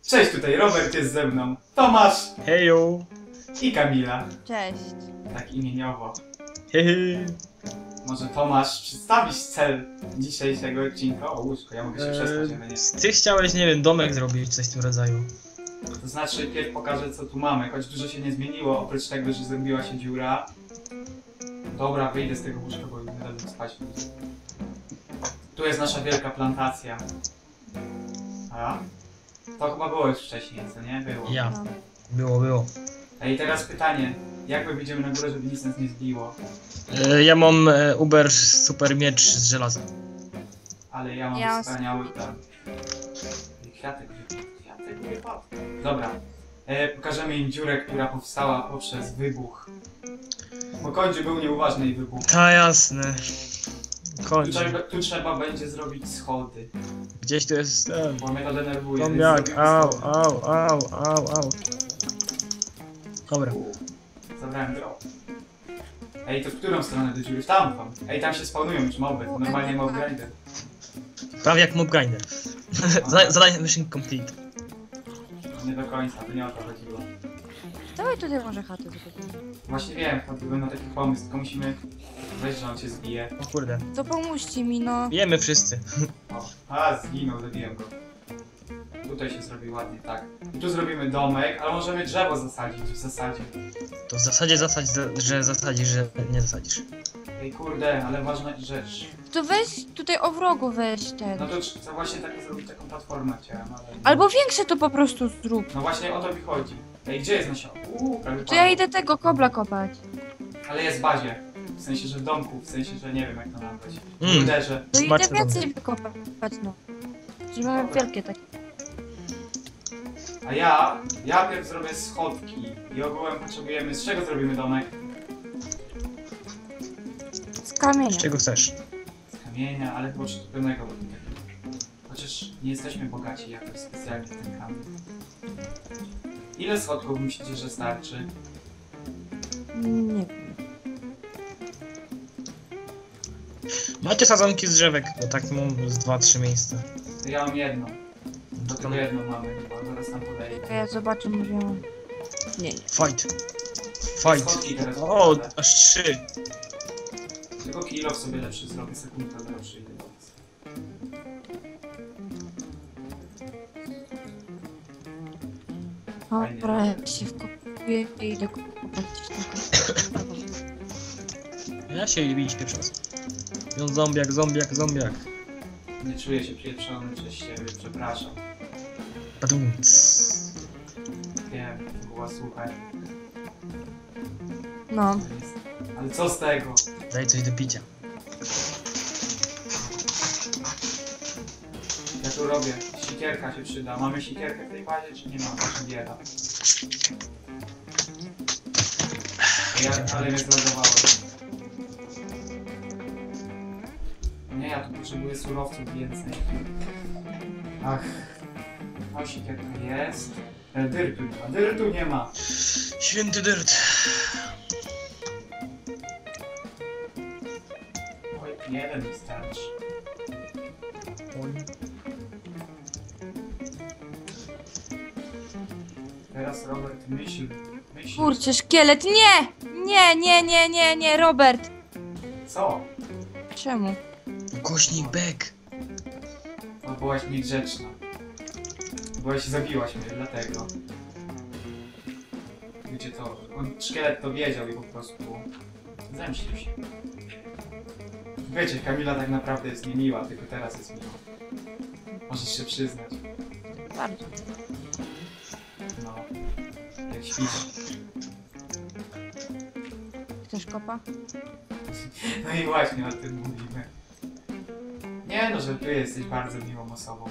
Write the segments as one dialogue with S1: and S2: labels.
S1: Cześć, tutaj Robert jest ze mną, Tomasz
S2: Hejo!
S1: i Kamila.
S3: Cześć.
S1: Tak imieniowo.
S2: Hehe!
S1: Może Tomasz, przedstawisz cel dzisiejszego odcinka? O łóżko, ja mogę się przespać, ale nie.
S2: Ty chciałeś, nie wiem, domek zrobić, coś w tym rodzaju.
S1: To znaczy, pierw pokażę co tu mamy, choć dużo się nie zmieniło, oprócz tego, że zrobiła się dziura. Dobra, wyjdę z tego łóżka, bo nie będę spać. Tu jest nasza wielka plantacja. A? To chyba było już wcześniej, co nie? Było.
S2: Ja.
S3: No.
S2: Było.
S1: Ej, teraz pytanie. Jak my wyjdziemy na górę, żeby nic nas nie zbiło?
S2: Ja mam Uber super miecz z żelaza.
S1: Ale ja mam wspaniały tam. Kwiatek wypadł. Dobra. Pokażemy im dziurę, która powstała poprzez wybuch. Bo Kończy był nieuważny i wybuch.
S2: Ta jasne. Kończę.
S1: Tu trzeba będzie zrobić schody.
S2: Gdzieś tu jest ten.
S1: Bo mnie to denerwuje. więc
S2: Zombiak,
S1: zrobimy
S2: au.
S1: schody.
S2: Dobra.
S1: Zabrałem drop. Ej, to w którą stronę do dziury? W tamtą. Ej, tam się spawnują już moby. To normalnie mob grinder.
S2: Prawie jak mob grinder. Zadanie mission complete.
S1: Nie do końca, to nie o to chodziło.
S3: Dawaj tutaj może chatę zrobimy.
S1: Właśnie wiem, byłem na taki pomysł, tylko musimy... Weź, że on cię zbije.
S2: O kurde.
S3: To pomóżcie mi, no.
S2: Wiemy wszyscy.
S1: O, zginął, zabiłem go. Tutaj się zrobi ładnie, tak. I tu zrobimy domek, ale możemy drzewo zasadzić w zasadzie.
S2: To w zasadzie że zasadzisz, że nie zasadzisz.
S1: Ej, kurde, ale ważna rzecz.
S3: To weź tutaj o wrogu weź ten.
S1: No to właśnie tak zrobić taką platformę chciałem, ale...
S3: Albo większe to po prostu zrób.
S1: No właśnie o to mi chodzi. Ej, gdzie jest nasion? Prawie
S3: To ja
S1: padło.
S3: idę tego kobla kopać.
S1: Ale jest w bazie. W sensie, że w domku, w sensie, że nie wiem jak to nazwać.
S2: Mm.
S1: Uderzę.
S3: To idę
S2: Smaczne
S3: więcej wykopać, no. Że mamy wielkie takie.
S1: A ja pierw zrobię schodki. I ogółem potrzebujemy... Z czego zrobimy domek?
S3: Z kamienia.
S2: Z czego chcesz?
S1: Z kamienia, ale chyba czerwonego. Chociaż nie jesteśmy bogaci jakoś specjalnie w ten kamień. Ile schodków myślicie, że starczy?
S3: Nie wiem.
S2: Macie sadzonki z drzewek, bo tak mam z 2-3 miejsca.
S1: To ja mam jedno.
S2: To
S1: Tylko
S2: tam
S1: jedno mamy, a zaraz nam podejdę.
S3: Czekaj, ja zobaczę, może mam. Nie.
S2: fight.
S1: Schodki teraz
S2: O,
S1: podkładam.
S2: aż 3.
S1: Tylko kilo sobie lepszy zrobię, sekundkę lepszy idę do was.
S3: Dobra, jak się wkopuję i idę kopać tylko.
S2: Ja się bić pieprząc. Ją zombiak.
S1: Nie czuję się pieprzony przez siebie, przepraszam.
S2: Badumc.
S1: Wiem, to była słuchaj.
S3: No.
S1: To jest... Ale co z tego?
S2: Daj coś do picia.
S1: Ja tu robię. Sikierka się przyda. Mamy sikierkę w tej bazie, czy nie mamy? Czy bieda? Ale mnie zlogowałem. Nie, ja tu potrzebuję surowców więcej. Ach. No sikierka jest. Dyrtu nie ma. Dyrtu nie ma.
S2: Święty dyrt.
S1: Oj, jeden wystarczy. Teraz Robert myśl.
S3: Kurczę, szkielet, nie! Nie, Robert!
S1: Co?
S3: Czemu?
S2: Głośnik bek.
S1: No byłaś niegrzeczna. Zabiłaś mnie, dlatego. Wiecie to, szkielet to wiedział i po prostu zemścił się. Wiecie, Kamila tak naprawdę jest niemiła, tylko teraz jest miła. Możesz się przyznać.
S3: Bardzo.
S1: No. Jak śpisz.
S3: Chcesz kopa?
S1: No i właśnie o tym mówimy. Nie no, że ty jesteś bardzo miłą osobą.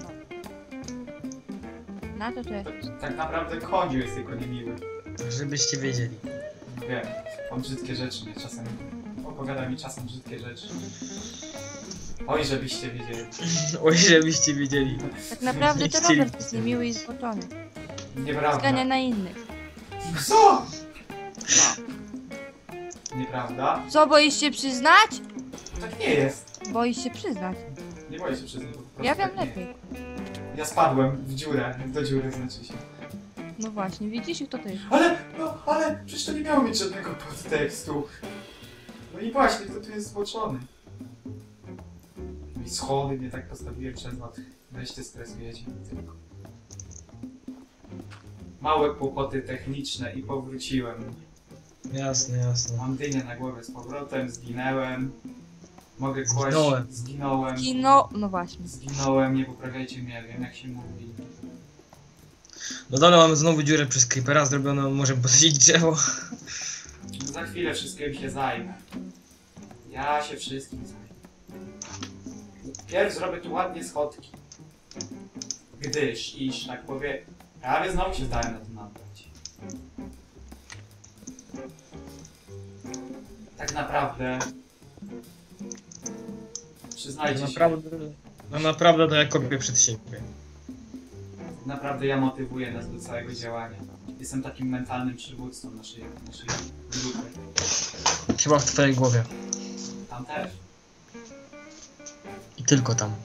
S3: Na to jest.
S1: Tak naprawdę Kądziu jest tylko niemiły.
S2: Żebyście wiedzieli.
S1: Wiem, on brzydkie rzeczy mnie czasem... Opowiada mi czasem brzydkie rzeczy. Oj, żebyście wiedzieli.
S2: Oj, żebyście wiedzieli.
S3: Tak naprawdę to
S2: Nie chcieli.
S3: Robert jest niemiły i zboczony.
S1: Nieprawda.
S3: Zgania na innych.
S1: Co?
S3: No.
S1: Nieprawda?
S3: Co, boisz się przyznać?
S1: Tak nie jest.
S3: Boisz się przyznać.
S1: Nie boję się przyznać. bo po prostu
S3: Ja wiem
S1: tak nie
S3: lepiej.
S1: jest. Ja spadłem w dziurę, do dziury znaczy się.
S3: No właśnie, widzisz i kto to jest?
S1: Ale przecież to nie miało mieć żadnego podtekstu. No i właśnie, kto tu jest zboczony? No i schody nie tak postawiłem przez was. Weź ty stresujecie mnie tylko. Małe kłopoty techniczne i powróciłem.
S2: Jasne, jasne.
S1: Mam dynię na głowie z powrotem, zginęłem. Mogę kłaść...
S2: Zginąłem.
S1: Zginąłem.
S3: No właśnie.
S1: Zginąłem, nie poprawiajcie mnie, wiem jak się mówi.
S2: No dole mamy znowu dziurę przez creepera zrobioną, możemy podsadzić drzewo.
S1: Za chwilę wszystkim się zajmę. Ja się wszystkim zajmę. Pierw zrobię tu ładnie schodki. Iż tak powiem, prawie znowu się zdałem na to nabrać. Tak naprawdę... Przyznajcie się,
S2: No naprawdę to ja kopię przed siebie.
S1: naprawdę ja motywuję nas do całego działania. Jestem takim mentalnym przywódcą naszej grupy.
S2: Chyba w twojej głowie.
S1: Tam też.
S2: I tylko tam.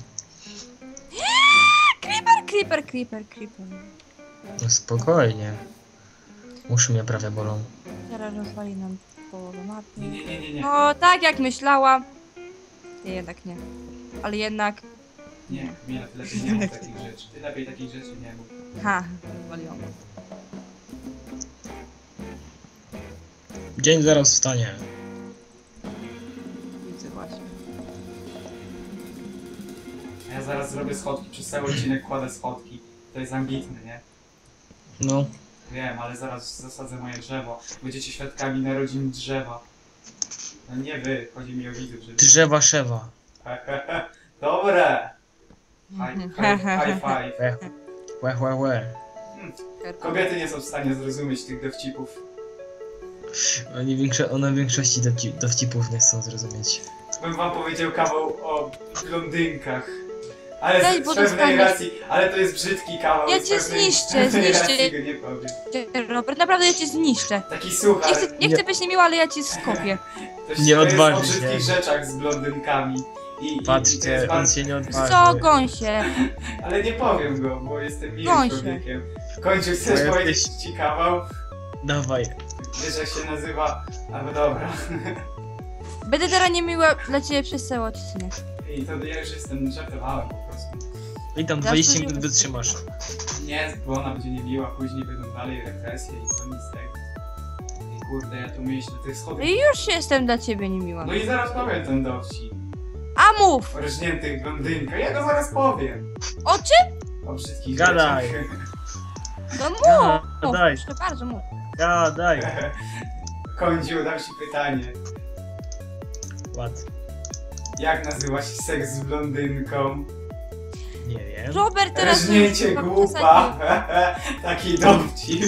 S3: Creeper.
S2: No spokojnie. Uszy mnie prawie bolą.
S3: Teraz rozwali nam połowę mapy.
S1: Nie.
S3: No, tak jak myślałam. Nie, jednak nie. Ale jednak...
S1: Nie, ty lepiej nie mów takich rzeczy. Ty lepiej takich rzeczy nie mów.
S3: Ha, rozwaliłam.
S2: Dzień zaraz wstanie.
S3: Widzę właśnie.
S1: Ja zaraz zrobię schodki, przez cały odcinek kładę schodki. To jest ambitne, nie?
S2: No.
S1: Wiem, ale zaraz zasadzę moje drzewo. Będziecie świadkami narodzin drzewa. No nie wy, chodzi mi o widzów, że...
S2: Drzewa szewa.
S1: Dobre! High five.
S2: Łe.
S1: Kobiety nie są w stanie zrozumieć tych dowcipów.
S2: One w większości dowcipów nie chcą zrozumieć.
S1: Bym wam powiedział kawał o blondynkach. Ale
S3: Daj,
S1: z
S3: bo
S1: pewnej
S3: dostaniesz.
S1: racji, ale to jest brzydki kawał.
S3: Ja
S1: z
S3: cię
S1: pewnej
S3: zniszczę.
S1: racji go nie powiem.
S3: Robert, naprawdę ja cię zniszczę.
S1: Taki suchar.
S3: Nie chcę być niemiła, ale ja cię skopię.
S2: Nie
S1: to
S2: odważy
S1: jest o
S2: się.
S1: brzydkich rzeczach z blondynkami. I to
S2: Patrzcie,
S1: jest
S2: on
S1: bardzo...
S2: się nie odważy.
S3: Co, gąsie?
S1: Ale nie powiem go, bo jestem miłym
S3: Gąsie.
S1: człowiekiem. W końcu chcesz
S2: Bo
S1: powiedzieć
S2: jesteś-
S1: ci kawał?
S2: Dawaj.
S1: Wiesz jak się nazywa? No dobra.
S3: Będę teraz niemiła dla ciebie przez cały odcinek.
S1: I to ja już jestem, żartowałem po prostu.
S2: I tam 20 minut wytrzymasz.
S1: Nie, bo ona będzie niemiła, później będą dalej represje i co nic z tego. I kurde, ja tu myślę, tych schodów...
S3: I już jestem dla ciebie niemiła.
S1: No i zaraz powiem ten dowcip.
S3: A mów!
S1: O rżniętych blondynkach, ja go zaraz powiem.
S3: O czym?
S1: O brzydkich
S2: Gadaj.
S1: rzeczach.
S3: No mów!
S2: Gadaj.
S3: Proszę bardzo, mów.
S2: Daj.
S1: Kądziu, dam ci pytanie.
S2: Ład.
S1: Jak nazywa się seks z blondynką?
S2: Nie wiem.
S3: Robert teraz...
S1: Rżnięcie
S3: chyba
S1: głupa. Taki dowcip.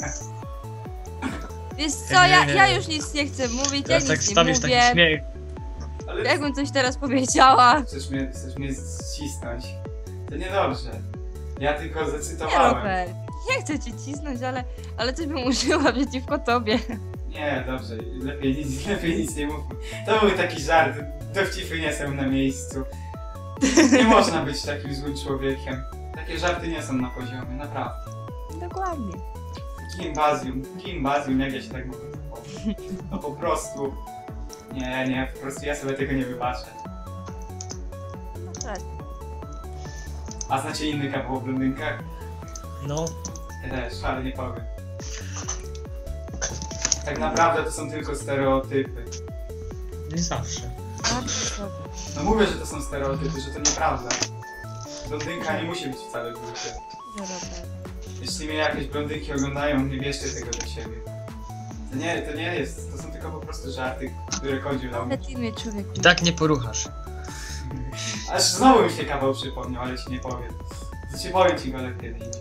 S3: Wiesz co,
S2: Nie.
S3: ja już nic nie chcę mówić, ja
S2: Teraz tak
S3: nic nie
S2: wstawisz taki
S3: mówię.
S2: śmiech.
S1: Ale
S3: Jakbym coś teraz powiedziała.
S1: chcesz mnie ścisnąć. To niedobrze. Ja tylko
S3: Nie,
S1: zacytowałem.
S3: Robert. Nie chcę cię cisnąć, ale coś bym użyła przeciwko tobie.
S1: Nie, dobrze. Lepiej nic nie mówmy. To był taki żart. Dowcipy nie są na miejscu. Nie można być takim złym człowiekiem. Takie żarty nie są na poziomie, naprawdę.
S3: Dokładnie.
S1: Gimbazium, jak ja się tak mogę zachować? No po prostu... Nie, po prostu ja sobie tego nie wybaczę.
S3: No tak.
S1: A znacie inny kawał o blondynkach?
S2: No.
S1: Ja też, ale nie powiem. Tak naprawdę to są tylko stereotypy.
S2: Nie zawsze.
S3: Bardzo dobrze.
S1: No mówię, że to są stereotypy, że to nieprawda. Blondynka nie musi być wcale głupia.
S3: Robert.
S1: Jeśli mnie jakieś blondynki oglądają, nie bierzcie tego do siebie. To nie jest, to są tylko po prostu żarty, które Kądziu dał mi.
S3: Ale ty mnie człowieku.
S2: I tak nie poruchasz.
S1: Aż znowu mi się kawał przypomniał, ale ci nie powiem. To ci powiem ci go lepiej indziej.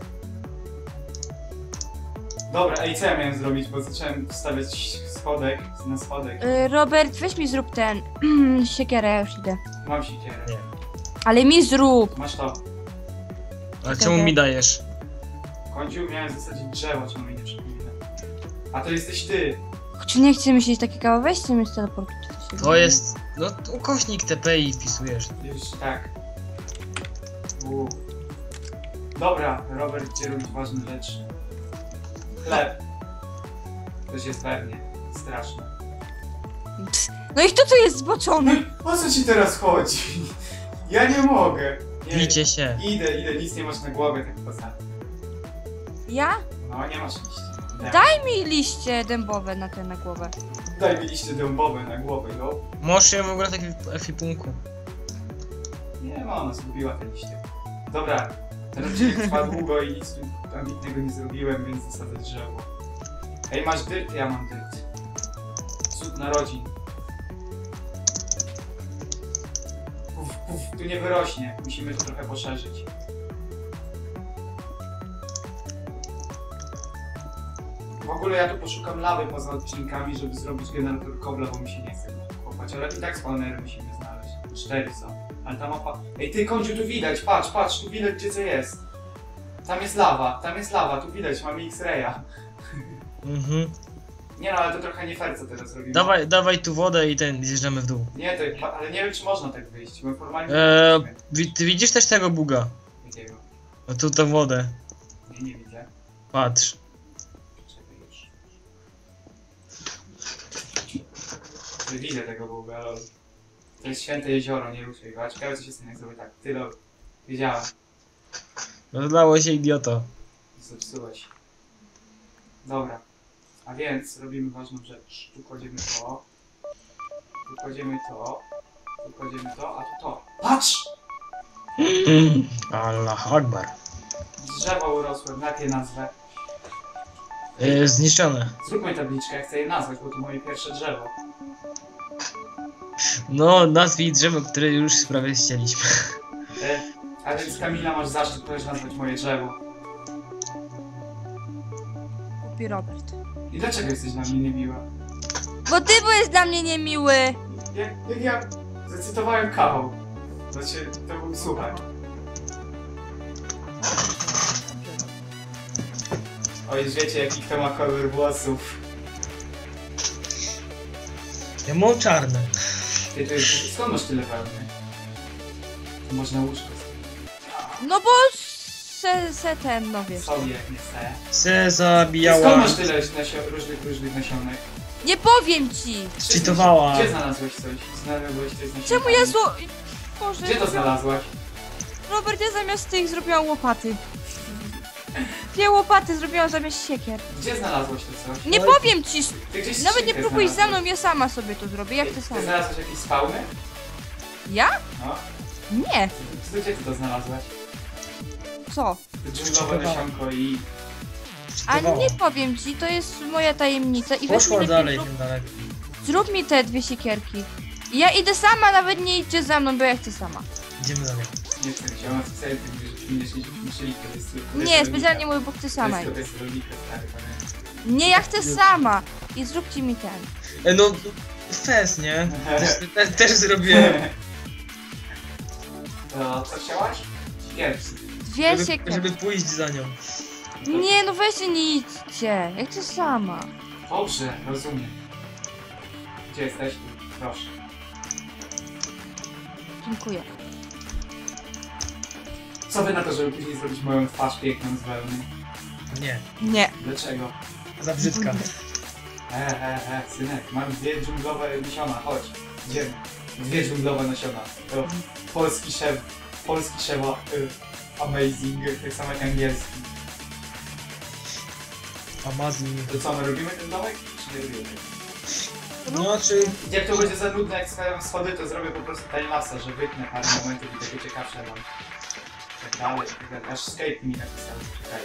S1: Dobra, ej, co ja miałem zrobić, bo zacząłem wstawiać schodek.
S3: Robert, weź mi zrób ten... siekierę, ja już idę.
S1: Mam siekierę.
S2: Nie.
S3: Ale mi zrób!
S1: Masz to.
S2: A czemu mi dajesz?
S1: Kądziu, miałem zasadzić drzewo, czemu mi nie przypomina. A to jesteś ty.
S3: Czy nie chcemy myśleć takie kawał? Weź sobie z teleportu. czy coś.
S2: To jest... No ukośnik TP i wpisujesz.
S1: Już tak. Dobra, Robert idzie robić ważne rzeczy. Chleb. To jest pewnie straszne.
S3: No i kto tu jest zboczony?
S1: O co ci teraz chodzi? Ja nie mogę. Nie,
S2: Bijcie się.
S1: Idę, nic nie masz na głowie, tak poza.
S3: Ja?
S1: No, nie masz liści.
S3: Daj mi liście dębowe na głowę.
S1: Daj mi liście dębowe na głowę, no.
S2: Możesz ją ugrać tak w efipunku.
S1: Nie ma, ona zgubiła te liście. Dobra, ten odcinek trwa długo i nic tu ambitnego nie zrobiłem, więc zasadzę drzewo. Ej, masz dyrt? Ja mam dyrt. Cud narodzin. Puf, tu nie wyrośnie. Musimy to trochę poszerzyć. W ogóle ja tu poszukam lawy poza odcinkami, żeby zrobić generator kobla, bo mi się nie chce kopać, ale i tak spawnery musimy znaleźć. 4 są. Ale ta mapa... Ej ty, Końciu, tu widać, patrz, tu widać gdzie co jest. Tam jest lawa, tu widać, mamy X-raya.
S2: Mhm.
S1: Nie no, ale to trochę nie fair co teraz robimy.
S2: Dawaj tu wodę i zjeżdżamy w dół.
S1: Nie, to, ale nie wiem czy można tak wyjść, bo formalnie...
S2: Ty widzisz też tego buga?
S1: Jakiego?
S2: No tu tę wodę.
S1: Nie widzę.
S2: Patrz.
S1: Czekaj już. Nie widzę tego buga, lol. To jest święte jezioro, nie ruszaj go. A ciekawe co się stanie jak zrobię tak. Ty lol. Wiedziałem.
S2: Rozlało się, idioto.
S1: Zepsułeś. Dobra. A więc robimy ważną rzecz. Tu kładziemy to. Tu kładziemy to. Tu kładziemy to, a tu to. Patrz!
S2: Allah Akbar.
S1: Drzewo urosłem, jak je nazwę.
S2: Zniszczone.
S1: Zróbmy tabliczkę, ja chcę je nazwać, bo to moje pierwsze drzewo.
S2: No, nazwij drzewo, które już prawie ścieliśmy.
S1: A więc Kamila, masz zaszczyt też nazwać moje drzewo.
S3: Kupi Robert.
S1: I dlaczego jesteś dla mnie niemiła?
S3: Bo ty byłeś dla mnie niemiły.
S1: Jak ja zacytowałem kawał. Znaczy, to był słuchaj. O, już wiecie jaki kto ma kolor włosów.
S2: Ja mam czarne.
S1: Ty, skąd masz tyle wełny? To można łóżko sobie.
S3: No bo ten, no wiesz.
S1: Sobie jak nie chce.
S2: Se
S1: Skąd
S2: zabijała.
S1: masz tyle różnych nasionek?
S3: Nie powiem ci.
S2: Cheatowała.
S1: Gdzie znalazłeś coś? Znalazłeś coś z nasionkami?
S3: Czemu ja Boże,
S1: Gdzie to znalazłaś?
S3: Robert, ja zamiast tych zrobiłam łopaty. Dwie łopaty zrobiłam zamiast siekier.
S1: Gdzie znalazłeś to coś?
S3: Nie powiem ci.
S1: Ty gdzieś
S3: Nawet nie
S1: skrzynkę
S3: próbuj ze
S1: znalazłeś.
S3: mną, ja sama sobie to zrobię. Jak ty
S1: Ty
S3: sama?
S1: znalazłeś jakieś spawny?
S3: Ja?
S1: No.
S3: Nie.
S1: Gdzie ty to znalazłeś?
S3: Co?
S1: To dżunglowe nasionko i...
S3: A nie powiem ci, to jest moja tajemnica i weź mi
S2: Poszła
S3: lepiej
S2: dalej,
S3: zrób,
S2: tym dalej.
S3: zrób mi te dwie siekierki. I ja idę sama, nawet nie idźcie za mną, bo ja chcę sama.
S2: Idziemy dalej.
S1: Nie chcę, chciałem specjalnie myśleli, to jest...
S3: Nie, specjalnie mówię, bo chcę sama.
S1: To jest rolnika, stary, pamiętam.
S3: Nie, ja chcę sama. I zróbcie mi ten.
S2: No, fest, nie? Też zrobiłem.
S1: To co chciałaś? Siekierki.
S3: Dwie siekierki.
S2: Żeby pójść za nią.
S3: Nie, no weźcie, nie idźcie. Ja chcę sama.
S1: Dobrze, rozumiem. Gdzie jesteś? Proszę.
S3: Dziękuję.
S1: Co wy na to, żeby później zrobić moją twarz piękną z wełny?
S2: Nie,
S3: Nie.
S1: Dlaczego?
S2: za brzydka.
S1: Synek, mam dwie dżunglowe nasiona, chodź, idziemy. Dwie dżunglowe nasiona. To polski szef, amazing, tak samo jak angielski.
S2: Amazing.
S1: To co, my robimy ten domek, czy nie robimy?
S2: Znaczy,
S1: Jak to będzie za nudne, jak składam schody, to zrobię po prostu timelapsa, że wytnę parę momentów i takie ciekawsze mam. Tak dalej, aż escape mi napisał, czekaj.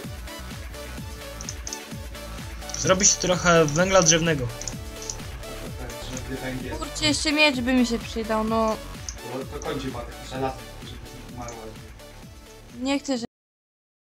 S2: zrobić trochę węgla drzewnego.
S1: Żeby węgiel,
S3: Kurczę, jeszcze miecz by mi się przydał, no.
S1: to kończy ma takie żelazo, żeby to umarło.
S3: Nie chcę, że